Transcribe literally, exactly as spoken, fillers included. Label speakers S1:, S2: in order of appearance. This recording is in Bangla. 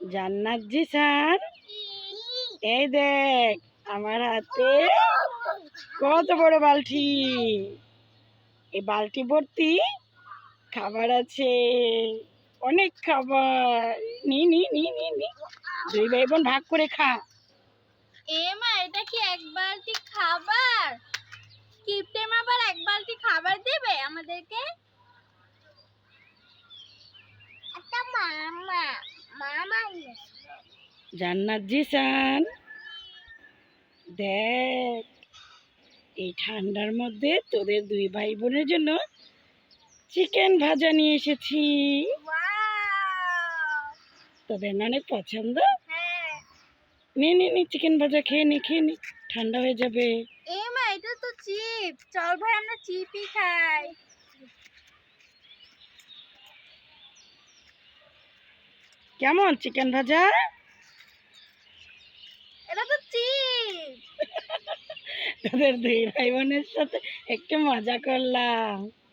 S1: জান্নাত জিসান, এই দেখ আমার হাতে কত বড় বালতি। এই বালতি ভর্তি খাবার আছে, অনেক খাবার। নি নি নি নি নি দুই ভাই বোন ভাগ করে খা।
S2: এ মা, এটা কি এক বালতি খাবার? কিপটেম আবার এক বালতি খাবার দেবে আমাদেরকে? এটা মামা মামা
S1: জান্নাত জিসান, দেখ এই ঠান্ডার মধ্যে তোদের দুই ভাই বোনের জন্য চিকেন ভাজা নিয়ে এসেছি।
S2: ওয়াও!
S1: তোদের না অনেক পছন্দ?
S2: হ্যাঁ।
S1: নে নে নে চিকেন ভাজা খেয়ে নে খেয়ে নে, ঠান্ডা হয়ে যাবে।
S2: এ মা, এটা তো চিপ। চল ভাই, আমরা চিপই খাই।
S1: কেমন চিকেন ভাজা?
S2: এটা তো চিপ।
S1: তোদের দুই ভাই বোনের সাথে একটু মজা করলাম।